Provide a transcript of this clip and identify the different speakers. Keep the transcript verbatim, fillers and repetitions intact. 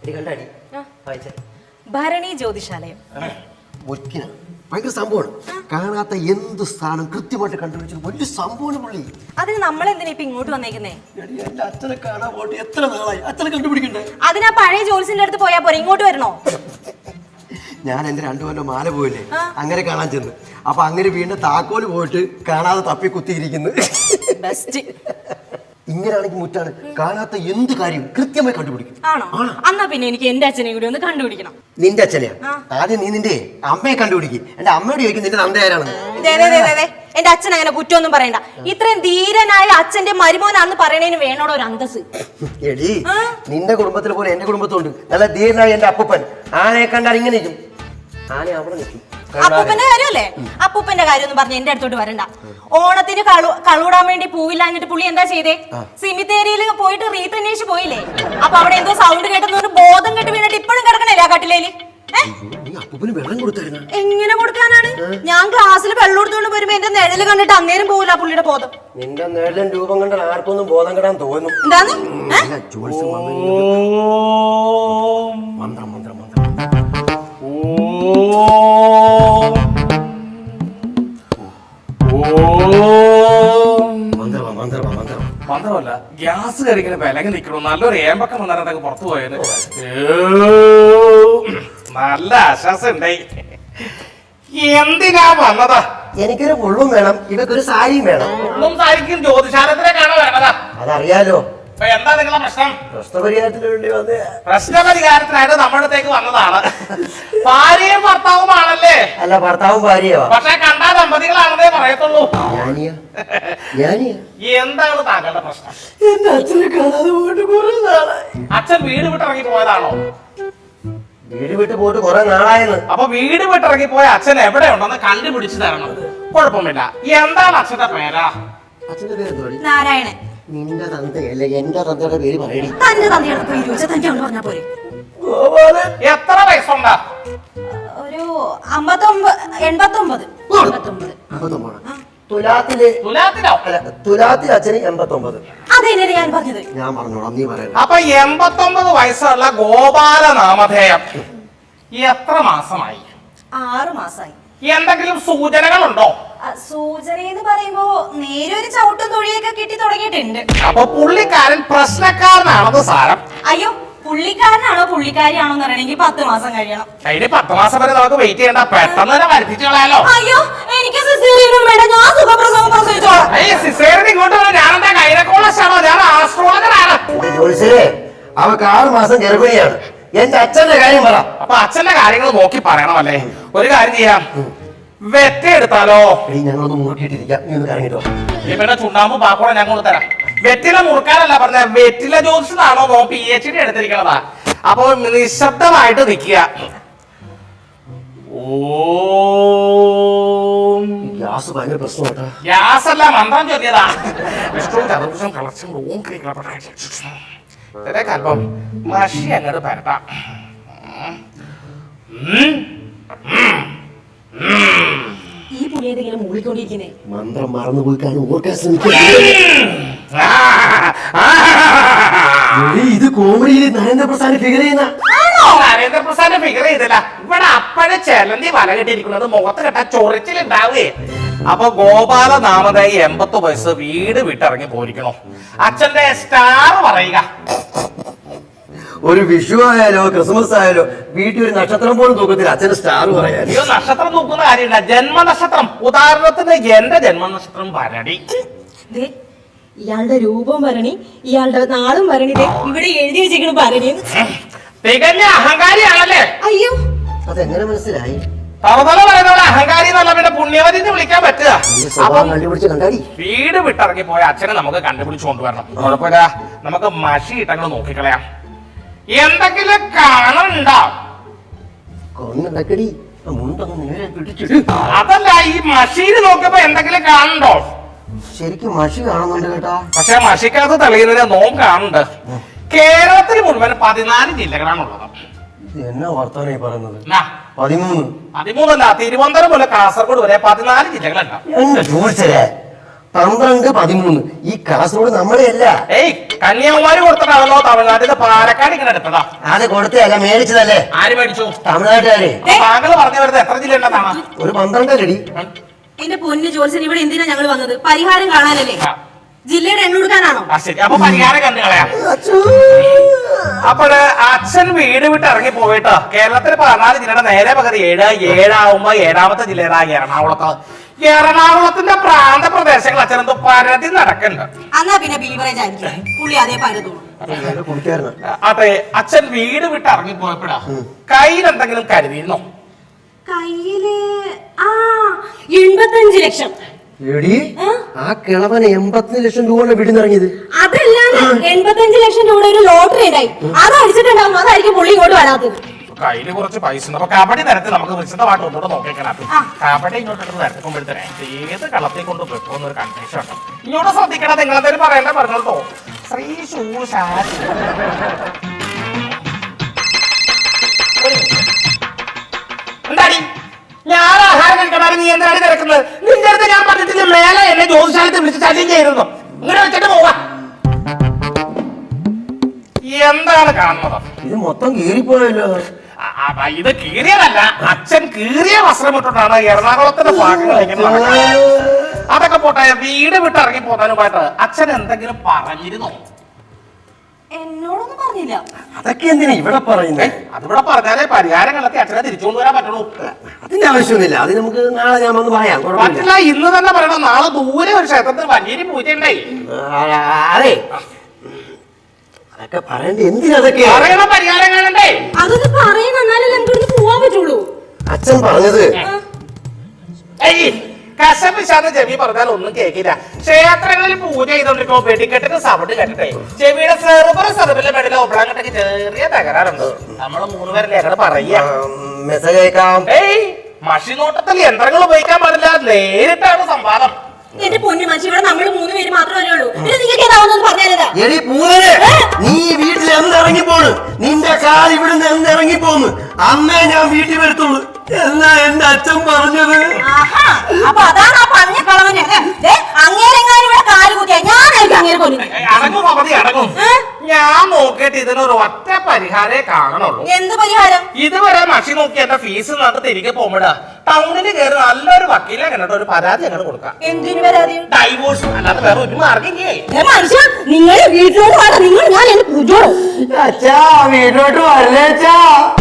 Speaker 1: ഭരണി ജ്യോതിഷാലയം
Speaker 2: ഭയങ്കര സംഭവമാണ്. കാണാത്ത എന്ത് സ്ഥാനം കൃത്യമായിട്ട് കണ്ടുപിടിച്ചത് വലിയ സംഭവമാണ് പുള്ളി.
Speaker 1: അതിന് നമ്മളെന്തിനാ ഇപ്പൊ ഇങ്ങോട്ട് വന്നേക്കുന്നേ?
Speaker 2: എന്റെ അച്ഛനെ കാണാൻ പോയിട്ട് എത്ര നാളായി, അച്ഛനെ കണ്ടുപിടിക്കണ്ടേ?
Speaker 1: അതിനാ പഴയ ജോലിസിന്റെ അടുത്ത് പോയാ പോരെ, ഇങ്ങോട്ട് വരണോ?
Speaker 2: ഞാൻ എന്റെ രണ്ടു കൊല്ലം മാല പോയില്ലേ, അങ്ങനെ കാണാൻ ചെന്ന്. അപ്പൊ അങ്ങനെ വീണ്ടും താക്കോല് പോയിട്ട് കാണാതെ തപ്പി കുത്തിയിരിക്കുന്നു. ഇങ്ങനെയാണെങ്കിൽ മുറ്റാണ് കാണാത്ത എന്ത് കാര്യം കൃത്യമായി കണ്ടുപിടിക്കും.
Speaker 1: ആണോ? എന്നാ പിന്നെ എനിക്ക് എന്റെ അച്ഛനെ കൂടി ഒന്ന് കണ്ടുപിടിക്കണം.
Speaker 2: നിന്റെ അച്ഛനെയാ? ആദ്യം നീ നിന്റെ അമ്മയെ കണ്ടുപിടിക്കും. എന്റെ അമ്മയോട് ചോദിക്കും നിന്റെ നന്ദ ആരാണെന്ന്.
Speaker 1: എന്റെ അച്ഛൻ അങ്ങനെ കുറ്റമൊന്നും പറയണ്ട. ഇത്രയും ധീരനായ അച്ഛന്റെ മരുമോനാന്ന് പറയണേന് വേണോടോ ഒരു അന്തസ്.
Speaker 2: എടി, നിന്റെ കുടുംബത്തിൽ പോലെ എന്റെ കുടുംബത്തുണ്ട് നല്ല ധീരനായ എന്റെ അപ്പൂപ്പൻ. ആനയെ കണ്ടാൽ ഇങ്ങനെ നിൽക്കും, ആന അവിടെ നിൽക്കും.
Speaker 1: അപ്പൂപ്പന്റെ കാര്യമല്ലേ? അപ്പൂപ്പന്റെ കാര്യം ഒന്നും പറഞ്ഞ് എന്റെ അടുത്തോട്ട് വരണ്ട. ഓണത്തിന് കളു കളൂടാൻ വേണ്ടി പൂവില്ലാഞ്ഞിട്ട് പുള്ളി എന്താ ചെയ്തേ? സിമിത്തേരിയിൽ പോയിട്ട് റീത്ത് അന്വേഷിച്ച് പോയില്ലേ? അപ്പൊ അവിടെ എന്തോ സൗണ്ട് കേട്ടെന്ന് ബോധം കെട്ട് വീണിട്ട് ഇപ്പോഴും കിടക്കണല്ലേ ആ കട്ടിലേല്? എങ്ങനെ കൊടുക്കാനാണ്? ഞാൻ ക്ലാസ്സിൽ വെള്ളം കൊടുത്തോണ്ട് വരുമ്പോ എന്റെ നിഴല് കണ്ടിട്ട് അന്നേരം പോകില്ല പുള്ളിയുടെ ബോധം.
Speaker 2: നിന്റെ നിഴലും രൂപം കണ്ടാൽ ആർക്കൊന്നും ബോധം കെടാൻ തോന്നും.
Speaker 1: എന്താന്ന്?
Speaker 2: മന്ത്രം മന്ത്രം മന്ത്രം
Speaker 3: മന്ത്രമല്ല, ഗ്യാസ് കരിങ്ങനെ വിലങ്ങി നിൽക്കണു. നല്ലൊരു ഏമ്പക്കം വന്നാൽ പുറത്തു പോയത് നല്ല ആശ്വാസം ഉണ്ടായി. എന്തിനാ വന്നതാ?
Speaker 2: എനിക്കൊരു പുള്ളും വേണം, ഇവക്കൊരു സാരിയും വേണം.
Speaker 3: പുള്ളും സാരിക്കും ജ്യോതിശാലത്തിലേക്കാണോ വേണതാ?
Speaker 2: അതറിയാലോ.
Speaker 3: എന്താ നിങ്ങളെ പ്രശ്നം?
Speaker 2: പ്രശ്നപരിഹാരത്തിന് വേണ്ടി വന്ന്
Speaker 3: പ്രശ്നപരിഹാരത്തിനായിട്ട് നമ്മുടെ അടുത്തേക്ക് വന്നതാണ്. ഭാര്യയും ഭർത്താവുമാണല്ലേ?
Speaker 2: അല്ല, ഭർത്താവും ഭാര്യയോ?
Speaker 3: പക്ഷെ കണ്ടാ ദമ്പതികളാണെന്നേ പറയത്തുള്ളൂ. എന്താണ് താങ്കളുടെ പ്രശ്നം?
Speaker 2: എന്റെ അച്ഛനെ കാണാതെ പോയിട്ട് കുറെ നാളായി.
Speaker 3: അച്ഛൻ വീട് വിട്ടിറങ്ങി പോയതാണോ?
Speaker 2: വീട് വിട്ട് പോയിട്ട് കുറെ നാളായെന്ന്.
Speaker 3: അപ്പൊ വീട് വിട്ടിറങ്ങി പോയ അച്ഛൻ എവിടെ ഉണ്ടെന്ന് കണ്ടുപിടിച്ചു തരണം. കുഴപ്പമില്ല. എന്താണ് അച്ഛന്റെ പേരാ?
Speaker 2: അച്ഛന്റെ പേര്
Speaker 1: നാരായണൻ.
Speaker 2: നിന്റെ തന്തയല്ലേ, എന്റെ തന്തയുടെ പേര് പറയണി.
Speaker 1: തന്റെ തന്തയുടെ പേര് ചോദിച്ചാൽ തന്റെ പറഞ്ഞാ പോരെ.
Speaker 3: എത്ര വയസ്സുണ്ടാ?
Speaker 1: ഒരു അമ്പത്തൊമ്പത് എൺപത്തൊമ്പത് എൺപത്തൊമ്പത്
Speaker 2: തുലാത്തില്
Speaker 3: തുലാത്തിലോ?
Speaker 2: അല്ല, തുലാത്തിൽ അച്ഛന് എൺപത്തൊമ്പത്.
Speaker 1: അതെന്നെ ഞാൻ പറഞ്ഞത്.
Speaker 2: ഞാൻ പറഞ്ഞോളാം, നീ പറയണം.
Speaker 3: അപ്പൊ എൺപത്തൊമ്പത് വയസ്സുള്ള ഗോപാല നാമധേയം എത്ര മാസമായി?
Speaker 1: ആറു മാസമായി.
Speaker 3: എന്തെങ്കിലും സൂചനകളുണ്ടോ?
Speaker 1: സൂചന എന്ന് പറയുമ്പോ നേരൊരു ചവിട്ടും തൊഴിയൊക്കെ കിട്ടി തുടങ്ങിയിട്ടുണ്ട്.
Speaker 3: അപ്പൊ പുള്ളിക്കാരൻ പ്രശ്നക്കാരനാണത് സാരം.
Speaker 1: അയ്യോ, പുള്ളിക്കാരനാണോ പുള്ളിക്കാരിയാണോ എന്ന് അറിയണമെങ്കിൽ പത്ത് മാസം കഴിയണം.
Speaker 3: അതിന് പത്ത് മാസം വരെ നമുക്ക് വെയിറ്റ് ചെയ്യണ്ട, പെട്ടെന്ന് തന്നെ വരുത്തിച്ചു കളയാലോ.
Speaker 1: അയ്യോ, എനിക്ക് സിസേറിയനും വേണ്ട, ഞാൻ സുഖപ്രസവം പ്രസവിച്ചോളാം.
Speaker 3: സിസേറിയൻ ഇങ്ങോട്ട് ഞാനെന്താ ഗൈനക്കോളജിസ്റ്റാണോ? ഞാൻ ആസ്ട്രോളജറാണ്.
Speaker 2: അവക്ക് ആറ് മാസം ഗർഭിണിയാണ്. എന്റെ അച്ഛന്റെ കാര്യം പറ.
Speaker 3: അപ്പൊ അച്ഛന്റെ കാര്യങ്ങൾ നോക്കി പറയണമല്ലേ? ഒരു കാര്യം ചെയ്യാം, വെറ്റ എടുത്താലോ?
Speaker 2: ഞങ്ങളൊന്ന് മുറുക്കിയിട്ടിരിക്കാം, നീ ഒന്ന് കറങ്ങിട്ടോ.
Speaker 3: പിന്നെ ചുണ്ണാമ്പും പാക്കോടെ ഞങ്ങൾ തരാം. വെറ്റില മുറുക്കാനല്ല പറഞ്ഞ, വെറ്റില ജ്യോതിഷനാണോ നോ പി എച്ച് ഡി എടുത്തിരിക്കണതാ. അപ്പൊ നിശബ്ദമായിട്ട് നിൽക്കുക.
Speaker 2: ഗ്യാസ് ഭയങ്കര പ്രശ്നമാട്ടാ.
Speaker 3: ഗ്യാസ് അല്ല, മന്ത്രം ചൊല്ലിയതാ. അല്പം മഷി അങ്ങോട്ട് പരട്ടാം.
Speaker 1: ഈ പുള്ളി ഏതെങ്കിലും മൂളിക്കൊണ്ടിരിക്കുന്നേ.
Speaker 2: മന്ത്രം മറന്നുപോയി കാണും, ഓർക്കാൻ ശ്രമിക്കുക. ഇത് കോമഡിയിൽ നരേന്ദ്രപ്രസാദ് ഫിഗർ ചെയ്യുന്ന
Speaker 3: നരേന്ദ്രപ്രസാദ് ഫിഗർ ചെയ്തില്ല. ഇവിടെ അപ്പഴേ ചെലന്തി വല കെട്ടിയിരിക്കുന്നത് മുഖത്ത് കെട്ടാ ചൊറിച്ചിലുണ്ടാവേ. അപ്പൊ ഗോപാല നാമധേയ എൺപത്തി വയസ്സ്, വീട് വിട്ടിറങ്ങി പോയിരിക്കണോ? അച്ഛന്റെ സ്റ്റാർ പറയുക.
Speaker 2: ഒരു വിഷു ആയാലോ ക്രിസ്മസ് ആയാലോ വീട്ടിൽ ഒരു നക്ഷത്രം പോലും തൂക്കത്തില്ല, അച്ഛന്റെ സ്റ്റാർ പറയാൻ.
Speaker 3: അയ്യോ, നക്ഷത്രം തൂക്കുന്ന കാര്യമില്ല, ജന്മനക്ഷത്രം. ഉദാഹരണത്തിന് എന്റെ ജന്മനക്ഷത്രം ഭരണി.
Speaker 1: ഇയാളുടെ രൂപം ഭരണി, ഇയാളുടെ നാളും ഭരണി. ഇവിടെ എഴുതി വെച്ചിരിക്കണ ഭരണി.
Speaker 3: തികഞ്ഞ അഹങ്കാരിയാണല്ലേ?
Speaker 1: അയ്യോ,
Speaker 2: അതെങ്ങനെ മനസ്സിലായി?
Speaker 3: തവതല പറയുന്നവരെ അഹങ്കാരി എന്നല്ല, പിന്നെ പുണ്യവതി എന്ന് വിളിക്കാൻ പറ്റുക. വീട് വിട്ടിറങ്ങി പോയ അച്ഛനെ നമുക്ക് കണ്ടുപിടിച്ചു കൊണ്ടുവരണം. കുഴപ്പമില്ല, നമുക്ക് മഷി ഇട്ടങ്ങൾ നോക്കിക്കളയാം. എന്തെങ്കിലും കാണുന്നുണ്ടോ? അതല്ല, ഈ മഷീന് നോക്കിയപ്പോ എന്തെങ്കിലും കാണുന്നുണ്ടോ?
Speaker 2: ശരിക്കും മഷി കാണുന്നുണ്ട് കേട്ടോ.
Speaker 3: പക്ഷെ മഷിക്കകത്ത് തെളിയുന്നതിന് നോം കാണുന്നുണ്ട്. കേരളത്തിൽ മുഴുവൻ പതിനാല് ജില്ലകളാണുള്ളത്.
Speaker 2: എന്നാ വർത്താനായി പറയുന്നത്? പതിമൂന്ന്
Speaker 3: പതിമൂന്നല്ല, തിരുവനന്തപുരം മുതൽ കാസർഗോഡ് വരെ പതിനാല് ജില്ലകളുണ്ട്.
Speaker 2: എന്നെ ചോദിച്ചേ, പന്ത്രണ്ട് പതിമൂന്ന് ഈ കാസർഗോഡ് നമ്മളെ അല്ല.
Speaker 3: ഏയ് കന്യാകുമാരി കൊടുത്തിട്ടാണല്ലോ തമിഴ്നാട്ടിൽ പാലക്കാട് ഇങ്ങനെ എടുത്തതാ.
Speaker 2: അത് കൊടുത്തല്ല മേടിച്ചതല്ലേ.
Speaker 3: ആര് മേടിച്ചു?
Speaker 2: തമിഴ്നാട്ടുകാരെ.
Speaker 3: താങ്കൾ പറഞ്ഞു വരുന്നത് എത്ര ജില്ല ഉണ്ടെന്നാണ്?
Speaker 2: ഒരു പന്ത്രണ്ടരടി.
Speaker 1: എന്റെ പൊന്നു ജോത്സൻ, ഇവിടെ എന്തിനാ ഞങ്ങൾ വന്നത്? പരിഹാരം കാണാനല്ലേ? ജില്ലയുടെ എണ്ണ കൊടുക്കാനാണോ?
Speaker 3: ശരി, അപ്പൊ പരിഹാരം കണ്ടു കളയാം. അപ്പോഴ് അച്ഛൻ വീട് വിട്ട് ഇറങ്ങി പോയിട്ട് കേരളത്തിൽ പതിനാല് ജില്ലയുടെ നേരെ പകുതി ഏഴ് ഏഴാവുമ്പോ ഏഴാമത്തെ ജില്ലയുടെ എറണാകുളത്ത് എറണാകുളത്തിന്റെ പ്രാന്ത പ്രദേശങ്ങൾ അച്ഛൻ എന്തോ പരതി നടക്കുന്നുണ്ട്.
Speaker 1: എന്നാ പിന്നെ ബീവറേജ് ആയിരിക്കും പുള്ളി അതേ പരതുള്ളൂ.
Speaker 3: അതെ, അച്ഛൻ വീട് വിട്ട് ഇറങ്ങി പോയപ്പോഴാ കയ്യിൽ എന്തെങ്കിലും കരുതിയിരുന്നോ?
Speaker 1: കയ്യില് ആ എൺപത്തഞ്ച് ലക്ഷം.
Speaker 2: എടി ആ കിളവന് എൺപത്തി ലക്ഷം രൂപ വീടിന്നിറങ്ങിയത്.
Speaker 1: അതല്ല, എൺപത്തഞ്ച് ലക്ഷം രൂപ ഒരു ലോട്ടറി ഉണ്ടായി, അത് അടിച്ചിട്ടുണ്ടാവും. അതായിരിക്കും പുള്ളി ഇങ്ങോട്ട് വരാത്തത്.
Speaker 3: കയ്യില് കുറച്ച് പൈസ ഉണ്ട്. അപ്പൊ കബഡി തരത്തിൽ നമുക്ക് വിശദമായിട്ട് ഒന്നുകൂടെ നോക്കിയേക്കണം. കബഡി ഇങ്ങോട്ട് വരക്കുമ്പോഴത്തേനെ ഏത് കളത്തിൽ കൊണ്ട് വെക്കുമെന്നൊരു കൺഫ്യൂഷൻ ഉണ്ട്. ഇങ്ങോട്ട് ശ്രദ്ധിക്കണം. നിങ്ങളെന്തായാലും പറയണ്ട പറഞ്ഞോട്ടോ. ശ്രീ ശൂശാരി എന്താടി ഞാൻ ആഹാരം കഴിക്കണ നീ എന്താണ് തിരക്കുന്നത്? നിന്റെ അടുത്ത് ഞാൻ പറഞ്ഞിട്ടില്ല മേലെ എന്നെ ജ്യോതിശാലത്തിൽ വിളിച്ച് ചല്യം ചെയ്തിരുന്നു. ഇങ്ങനെ വെച്ചിട്ട് പോവാ. എന്താണ് കാണുന്നത്?
Speaker 2: ഇത് മൊത്തം കീറിപ്പോയല്ലോ.
Speaker 3: ഇത് കീറിയതല്ല, അച്ഛൻ കീറിയ വസ്ത്രം ഇട്ടിട്ടാണ് എറണാകുളത്തിന്റെ ഭാഗങ്ങളിലേക്ക് നടക്കുന്നത്. അതൊക്കെ പോട്ടെ, വീട് വിട്ട് ഇറങ്ങി പോകാനുമായിട്ട് അച്ഛൻ എന്തെങ്കിലും പറഞ്ഞിരുന്നോ?
Speaker 1: എന്നോടൊന്നും പറഞ്ഞില്ല.
Speaker 2: അതൊക്കെ എന്തിനാ ഇവിടെ പറയുന്നത്?
Speaker 3: അതിവിടെ പറഞ്ഞാലേ പരിഹാരം കണ്ടെത്തി അച്ഛനെ തിരിച്ചുകൊണ്ട് വരാൻ പറ്റുള്ളൂ.
Speaker 2: അതിന്റെ ആവശ്യമൊന്നുമില്ല. അത് നമുക്ക് നാളെ ഞാൻ വന്ന് പറയാം.
Speaker 3: പറ്റില്ല, ഇന്ന് തന്നെ പറയണം. നാളെ ദൂരെ ഒരു ക്ഷേത്രത്തിൽ വലിയൊരു പൂജ ഉണ്ടായി.
Speaker 2: അതെ, അതൊക്കെ പറയണ്ടേ? എന്തിനാ അതൊക്കെ
Speaker 3: പറയണ പരിഹാരം കാണണ്ടേ?
Speaker 1: അതൊന്ന് പറയുന്ന എന്നാലേ നമുക്ക് പോവാൻ പറ്റുള്ളൂ.
Speaker 2: അച്ഛൻ പറഞ്ഞത്
Speaker 3: കശപിശാന്ന് ചെവി പറഞ്ഞാൽ ഒന്നും കേൾക്കില്ല. ക്ഷേത്രങ്ങളിൽ പൂജ ചെയ്തോണ്ടിരിക്കുമ്പോ വെടിക്കെട്ടിന് സൗണ്ട് കേട്ടിട്ടേ ചെവിയുടെ സെർവർ സെർവിലെ മെഡിലെ ഒബ്രാങ്കട്ടൊക്കെ ചെറിയ തകരാറുണ്ട്. നമ്മള് മൂന്ന് പേരല്ലേ അങ്ങനെ പറയാ.
Speaker 2: മെസ്സേജ് അയക്കാം.
Speaker 3: ഏയ് മഷിനോട്ടത്തിൽ യന്ത്രങ്ങൾ ഉപയോഗിക്കാൻ പാടില്ല, നേരിട്ടാണ് സംവാദം.
Speaker 1: എന്റെ പൊന്നു മനുഷ്യ, ഇവിടെ നമ്മൾ മൂന്ന് പേര് മാത്രമല്ലേ ഉള്ളൂ. നിങ്ങൾക്ക് ഏതാവുന്ന പറഞ്ഞാലതാ.
Speaker 2: എടി പൂവനെ, നീ വീട്ടിൽ എന്തിറങ്ങി പോണ്? നിന്റെ കാൽ ഇവിടുന്ന് എന്തിറങ്ങി പോന്ന്? അന്നേ ഞാൻ വീട്ടിൽ വരത്തുള്ളൂ എന്നാ എന്റെ അച്ഛൻ പറഞ്ഞത്.
Speaker 1: അപ്പൊ അതാണ് ആ പറഞ്ഞ കളവന്. അങ്ങേരെങ്ങാനും ഇവിടെ കാല് കുത്തിയാ ഞാനായിരിക്കും അങ്ങേരെ കൊല്ലുന്നത്.
Speaker 3: അടങ്ങും അവധി അടങ്ങും. ഞാൻ നോക്കിയിട്ട് ഇതിനൊരു ഒറ്റ പരിഹാരേ കാണുള്ളൂ.
Speaker 1: എന്ത് പരിഹാരം?
Speaker 3: ഇതുവരെ മഷി നോക്കി എന്റെ ഫീസ് നമുക്ക് തിരികെ പോകുമ്പോഴാ ടൗണിൽ കയറി നല്ലൊരു വക്കീലെ കണ്ടിട്ട് ഒരു പരാതി അങ്ങനെ കൊടുക്കാം.
Speaker 1: എന്തിനു പരാതി?
Speaker 3: ഡൈവോഴ്സ്, അല്ലാതെ വേറെ ഒരു മാർഗില്ലേ.
Speaker 1: മനുഷ്യ, നിങ്ങൾ വീട്ടിലോട്ട് വേണം. നിങ്ങൾ ഞാൻ എന്റെ പൂജോളൂ.
Speaker 2: അച്ഛാ വീട്ടിലോട്ട് വരല്ലേ അച്ഛാ?